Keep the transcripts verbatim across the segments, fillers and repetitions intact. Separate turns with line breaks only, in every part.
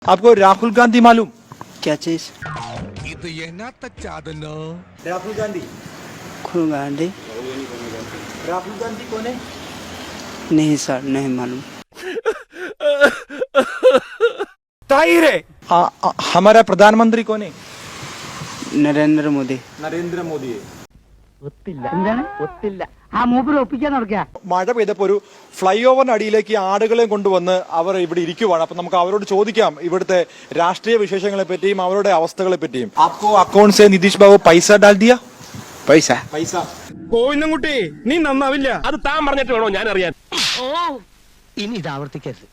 आपको राहुल गांधी मालूम?
क्या चीज?
राहुल गांधी
राहुल गांधी
राहुल गांधी कौन है?
नहीं सर, नहीं मालूम।
आ, आ, हमारा प्रधानमंत्री कौन है?
नरेंद्र मोदी।
നരേന്ദ്ര മോദി. മഴ പെയ്തപ്പോ ഒരു ഫ്ലൈ ഓവറിന് അടിയിലേക്ക് ആടുകളെ കൊണ്ടുവന്ന് അവർ ഇവിടെ ഇരിക്കുവാണ്. അപ്പൊ നമുക്ക് അവരോട് ചോദിക്കാം ഇവിടുത്തെ രാഷ്ട്രീയ വിശേഷങ്ങളെ പറ്റിയും അവരുടെ അവസ്ഥകളെ പറ്റിയും. आपको अकाउंट से नितीश बाबू पैसा डाल दिया?
पैसा
पैसा
കോയിന്നുംകുട്ടി നീ നന്നാവില്ല. അത് താൻ പറഞ്ഞിട്ട് വേണോ ഞാൻ അറിയാൻ.
ഇനി ഇത് ആവർത്തിക്കരുത്.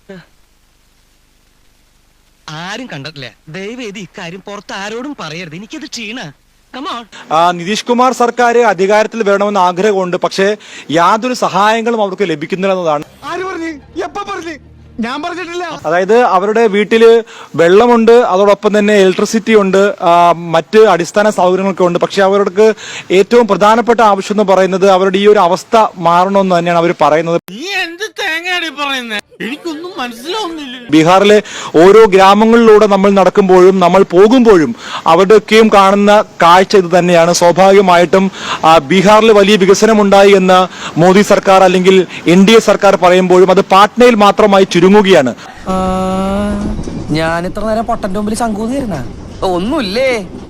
ആരും കണ്ടിട്ടില്ല. ദയവേദി ഇക്കാര്യം പുറത്ത് ആരോടും പറയരുത്. എനിക്കത് ക്ഷീണ.
നിതീഷ് കുമാർ സർക്കാർ അധികാരത്തിൽ വരണമെന്ന് ആഗ്രഹമുണ്ട്. പക്ഷേ യാതൊരു സഹായങ്ങളും അവർക്ക് ലഭിക്കുന്നില്ല എന്നതാണ്.
ആര് പറഞ്ഞു? എപ്പ പറഞ്ഞു? ഞാൻ പറഞ്ഞിട്ടില്ല.
അതായത് അവരുടെ വീട്ടില് വെള്ളമുണ്ട്, അതോടൊപ്പം തന്നെ ഇലക്ട്രിസിറ്റി ഉണ്ട്, മറ്റ് അടിസ്ഥാന സൗകര്യങ്ങളൊക്കെ ഉണ്ട്. പക്ഷെ അവർക്ക് ഏറ്റവും പ്രധാനപ്പെട്ട ആവശ്യം എന്ന് പറയുന്നത് അവരുടെ ഈ ഒരു അവസ്ഥ മാറണമെന്ന് തന്നെയാണ് അവർ പറയുന്നത്.
എനിക്കൊന്നും മനസ്സിലാവുന്നില്ല.
ബീഹാറിലെ ഓരോ ഗ്രാമങ്ങളിലൂടെ നമ്മൾ നടക്കുമ്പോഴും നമ്മൾ പോകുമ്പോഴും അവരുടെയൊക്കെയും കാണുന്ന കാഴ്ച ഇത് തന്നെയാണ്. സ്വാഭാവികമായിട്ടും ബീഹാറിൽ വലിയ വികസനമുണ്ടായി എന്ന് മോദി സർക്കാർ അല്ലെങ്കിൽ എൻ ഡി എ സർക്കാർ പറയുമ്പോഴും അത് പാട്നയിൽ മാത്രമായി ചുരുങ്ങുകയാണ്.
ഞാൻ ഇത്ര നേരം പൊട്ടന്റെ മുമ്പിൽ ശങ്കൂന്നിരുന്ന ഒന്നുമില്ലേ.